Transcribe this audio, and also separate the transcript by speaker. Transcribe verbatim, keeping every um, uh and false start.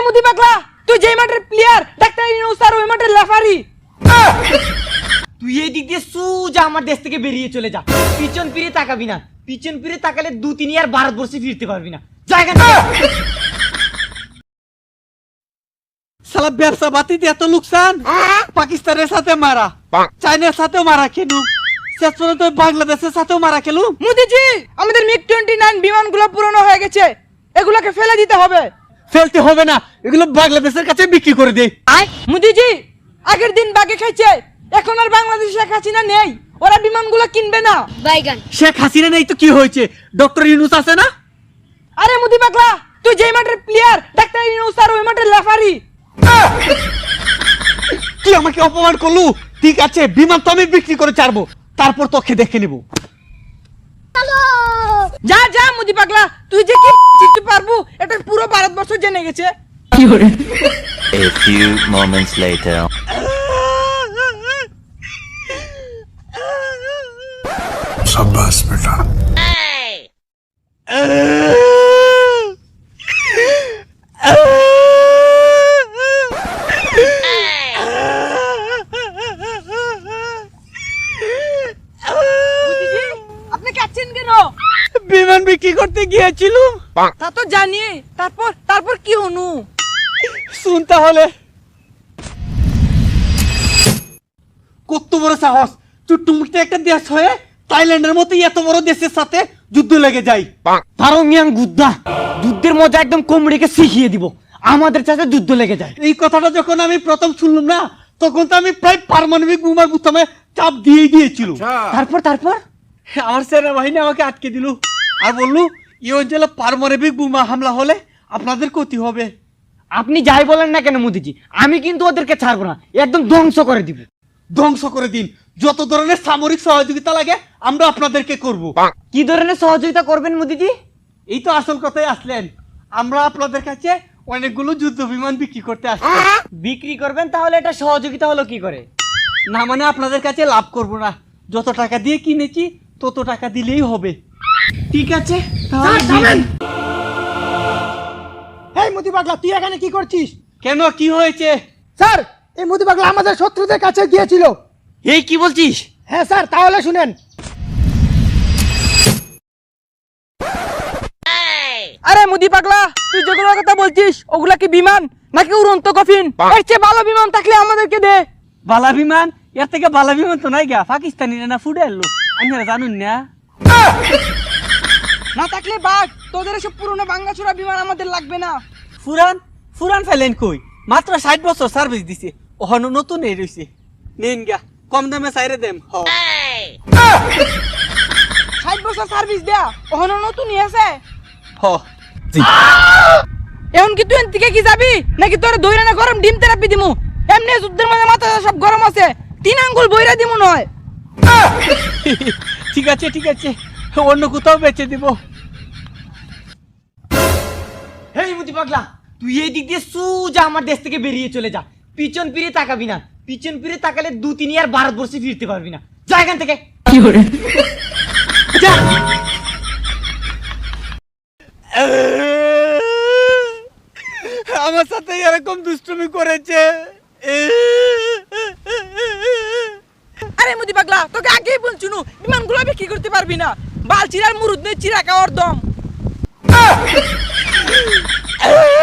Speaker 1: মুদি পাগলা, তুই যেই মাঠের প্লেয়ার ডাক্তার ইউনূস আর ওই মাঠের রেফারি।
Speaker 2: তুই এই দিক দিয়ে সোজা আমার দেশ থেকে বেরিয়ে চলে যা, পিছন ফিরে তাকাবি না। পিছন ফিরে তাকালে দু তিন আর ভারতবর্ষে ফিরতে পারবি না। জায়গা
Speaker 3: সালা ব্যবসা বাতিতে এত লোকসান, পাকিস্তানের সাথে মারা, চায়নার সাথেও মারা খেলু, শেষ পর্যন্ত বাংলাদেশের সাথেও মারা খেলু।
Speaker 1: মুদিজি, আমাদের মিগ টোয়েন্টি নাইন বিমানগুলো পুরনো হয়ে গেছে, এগুলোকে ফেলে দিতে হবে।
Speaker 3: ফেলতে হবে না, এগুলো বাংলাদেশের কাছে বিক্রি করে দে।
Speaker 1: মুদিজি, আগের দিন বাগে খাইছে, এখন আর বাংলাদেশে শেখ হাসিনা নেই, ওরা বিমানগুলো কিনবে না।
Speaker 4: বাইগান
Speaker 3: শেখ হাসিনা নেই তো কি হয়েছে, ডক্টর ইউনূস আছে না?
Speaker 1: আরে মুদি পাগলা, তুই যেই মাঠের প্লেয়ার ডাক্তার ইউনূস আর ওই মাঠের রেফারি।
Speaker 3: তুই আমাকে অপমান করলু, ঠিক আছে বিমান তো আমি বিক্রি করে ছাড়বো, তারপর তোকে দেখে নিব।
Speaker 1: যা যা মুদি পাগলা, তুই যে কি চিনতে পারবো এটা পুরো ভারতবর্ষ জেনে গেছে।
Speaker 5: A few moments later.
Speaker 6: शाबाश बेटा।
Speaker 1: আপনি কাচ্ছেন কেন?
Speaker 3: বিমান বিক্রি করতে গিয়েছিলাম।
Speaker 1: তা তো জানি, তারপর তারপর কি হনু?
Speaker 3: শুন তাহলে। কত বড় সাহস, চুট্টুমুট্টু একটা দেশ হয়ে থাইল্যান্ডের মতো এত বড় দেশের সাথে যুদ্ধ লেগে যায়।
Speaker 2: পারো মিয়াং গুদ্দা, যুদ্ধের মজা একদম কোমড়িকে শিখিয়ে দিব, আমাদের সাথে যুদ্ধ লেগে যায়।
Speaker 3: এই কথাটা যখন আমি প্রথম শুনলাম না, তখন তো আমি প্রায় পারমাণবিক বোমার বুতামে চাপ দিয়েই দিয়েছিল।
Speaker 2: তারপর তারপর
Speaker 3: আমার সেনাবাহিনী আমাকে আটকে দিল আর বললো এই অঞ্চলে পারমাণবিক বোমা হামলা হলে আপনাদের ক্ষতি হবে।
Speaker 2: আপনি যাই বলেন না কেন মোদিজি, আমি কিন্তু ওদেরকে ছাড়বো না, একদম ধ্বংস করে দিব।
Speaker 3: ধ্বংস করে দিন, যত ধরনের সামরিক সহযোগিতা লাগে আমরা আপনাদেরকে করব।
Speaker 2: কি ধরনের সহযোগিতা করবেন মোদিজি?
Speaker 3: এই তো আসল কথাই আসলেন, আমরা আপনাদের কাছে অনেকগুলো যুদ্ধ বিমান বিক্রি করতে আসছি।
Speaker 2: বিক্রি করবেন, তাহলে এটা সহযোগিতা হলো কি করে?
Speaker 3: না মানে আপনাদের কাছে লাভ করব না, যত টাকা দিয়ে কিনেছি তত টাকা দিলেই হবে।
Speaker 2: ঠিক আছে
Speaker 3: তাহলে দিন।
Speaker 1: এই মুদি পাগলা, তুই এখানে কি করছিস?
Speaker 3: কেন, কি হয়েছে?
Speaker 1: স্যার, এই মুদি পাগলা আমাদের শত্রুদের কাছে গিয়েছিল।
Speaker 2: এই কি বলছিস?
Speaker 1: হ্যাঁ স্যার, তাহলে শুনেন। আরে মুদি পাগলা, তুই যেগুলোর কথা বলছিস ওগুলা কি বিমান নাকি উড়ন্ত কফিন? এর চেয়ে ভালো বিমান থাকলে আমাদেরকে দে।
Speaker 3: বালা বিমান? এর থেকে বালা বিমান তো নাই গা, পাকিস্তানি না ফুটে এলো, আপনারা জানুন না?
Speaker 1: না থাকলে বাঘ, তোদের এসব পুরনো ভাঙাচোরা বিমান আমাদের লাগবে না।
Speaker 3: ফুরান ফুরান ফেলেন কই, মাত্র ষাট বছর সার্ভিস দিছে, ওখানে নতুন এই রয়েছে, নেন গা, কম দামে চাইরে দেম। হ
Speaker 1: ষাট বছর সার্ভিস দেয়া ওখানে নতুন আছে।
Speaker 3: হ
Speaker 1: এখন কি তুই এদিকে কি যাবি নাকি তোর দইরা না গরম ডিম থেরাপি দিমু? এমনি যুদ্ধের মধ্যে মাথা সব গরম আছে, তিন আঙ্গুল বইরা দিমু নয়।
Speaker 3: ঠিক আছে ঠিক আছে, অন্য কোথাও বেচে দিব।
Speaker 2: হেই মুদি পাগলা, তুই এই দিক দিয়ে সোজা আমার দেশ থেকে বেরিয়ে চলে যা, পিছন ফিরে তাকাবি না। পিছন ফিরে তাকালে দু তিন আর ভারতবর্ষে ফিরতে পারবি না। যা এখান থেকে। যা।
Speaker 3: আমার সাথে এরকম দুষ্টুমি করেছে।
Speaker 1: আরে মুদি পাগলা, তোকে আগেই বলছুনু বিমানগুলো বিক্রি করতে পারবি না, বাল চিরার মুরুদ নেই চিরা খাওয়ার দম।